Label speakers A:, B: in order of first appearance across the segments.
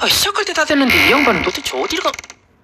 A: 아, 시작할 때 다 됐는데 이 양반은 도대체 어디를 가...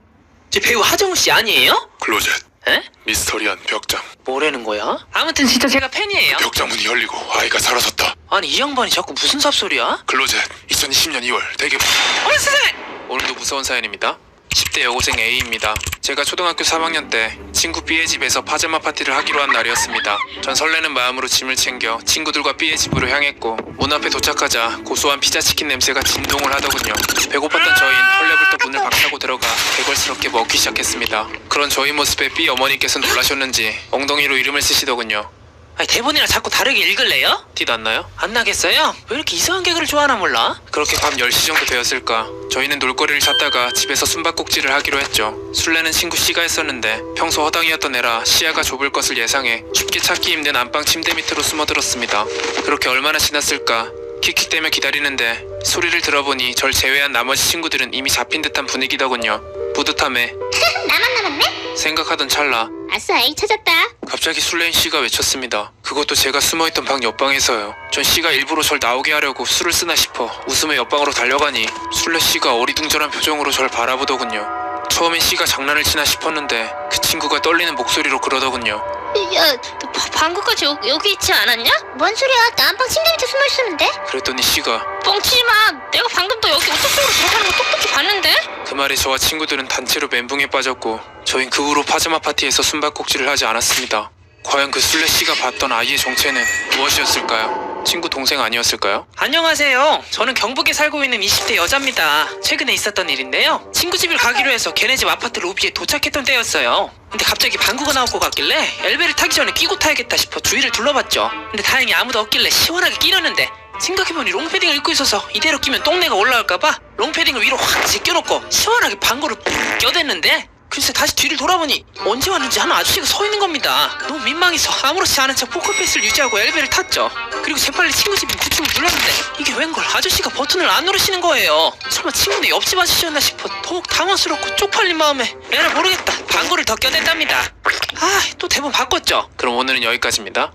A: 저 배우 하정우 씨 아니에요?
B: 클로젯.
A: 에?
B: 미스터리한 벽장.
A: 뭐라는 거야? 아무튼 진짜 제가 팬이에요.
B: 벽장 문이 열리고 아이가 사라졌다.
A: 아니 이 양반이 자꾸 무슨 삽소리야?
B: 클로젯. 2020년 2월 대개봉.
A: 어머 세상에!
C: 오늘도 무서운 사연입니다. 10대 여고생 A입니다. 제가 초등학교 3학년 때 친구 B의 집에서 파자마 파티를 하기로 한 날이었습니다. 전 설레는 마음으로 짐을 챙겨 친구들과 B의 집으로 향했고 문 앞에 도착하자 고소한 피자치킨 냄새가 진동을 하더군요. 배고팠던 저희는 헐레벌떡 문을 박차고 들어가 개걸스럽게 먹기 시작했습니다. 그런 저희 모습에 B 어머니께서 놀라셨는지 엉덩이로 이름을 쓰시더군요.
A: 아니 대본이랑 자꾸 다르게 읽을래요?
C: 티 났나요?
A: 안 나겠어요? 왜 이렇게 이상한 개그를 좋아하나 몰라?
C: 그렇게 밤 10시 정도 되었을까 저희는 놀거리를 찾다가 집에서 숨바꼭질을 하기로 했죠. 술래는 친구 C가 했었는데 평소 허당이었던 애라 시야가 좁을 것을 예상해 쉽게 찾기 힘든 안방 침대 밑으로 숨어들었습니다. 그렇게 얼마나 지났을까 킥킥대며 기다리는데 소리를 들어보니 절 제외한 나머지 친구들은 이미 잡힌 듯한 분위기더군요. 뿌듯함에
D: 나만 남았네?
C: 생각하던 찰나
D: 아싸, A 찾았다.
C: 갑자기 술래인 C가 외쳤습니다. 그것도 제가 숨어있던 방 옆방에서요. 전 C가 일부러 절 나오게 하려고 술을 쓰나 싶어 웃으며 옆방으로 달려가니 술래 C가 어리둥절한 표정으로 절 바라보더군요. 처음엔 C가 장난을 치나 싶었는데 그 친구가 떨리는 목소리로 그러더군요.
D: 야, 너 방금까지 여기 있지 않았냐? 뭔 소리야? 나 안방 침대 밑에 숨어 있었는데?
C: 그랬더니 C가
D: 뻥치지 마. 내가 방금 너 여기 오토쪽으로 들어가는 거 똑똑히 봤는데?
C: 그 말에 저와 친구들은 단체로 멘붕에 빠졌고 저흰 그 후로 파자마 파티에서 숨바꼭질을 하지 않았습니다. 과연 그 술래 C가 봤던 아이의 정체는 무엇이었을까요? 친구 동생 아니었을까요?
A: 안녕하세요. 저는 경북에 살고 있는 20대 여자입니다. 최근에 있었던 일인데요. 친구 집을 가기로 해서 걔네 집 아파트 로비에 도착했던 때였어요. 근데 갑자기 방구가 나올 것 같길래 엘베를 타기 전에 끼고 타야겠다 싶어 주위를 둘러봤죠. 근데 다행히 아무도 없길래 시원하게 끼려는데 생각해보니 롱패딩을 입고 있어서 이대로 끼면 똥내가 올라올까봐 롱패딩을 위로 확 제껴놓고 시원하게 방구를 푹 껴댔는데 글쎄 다시 뒤를 돌아보니 언제 왔는지 한 아저씨가 서 있는 겁니다. 너무 민망해서 아무렇지 않은 척 포커페이스를 유지하고 엘베를 탔죠. 그리고 재빨리 친구 집인 9층을 눌렀는데 이게 웬걸 아저씨가 버튼을 안 누르시는 거예요. 설마 친구네 옆집 아저씨였나 싶어 더욱 당황스럽고 쪽팔린 마음에 에라 모르겠다 방구를 더 껴댔답니다. 아 또 대본 바꿨죠.
C: 그럼 오늘은 여기까지입니다.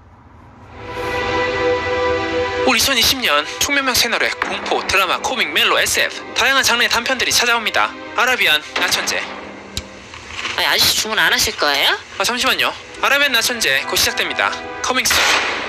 A: 올 2020년 총명명 채널에 공포, 드라마, 코믹, 멜로, SF 다양한 장르의 단편들이 찾아옵니다. 아라비안 나천재.
D: 아니, 아저씨 주문 안 하실 거예요?
A: 잠시만요. 아라비안 나천재 곧 시작됩니다. 커밍 순.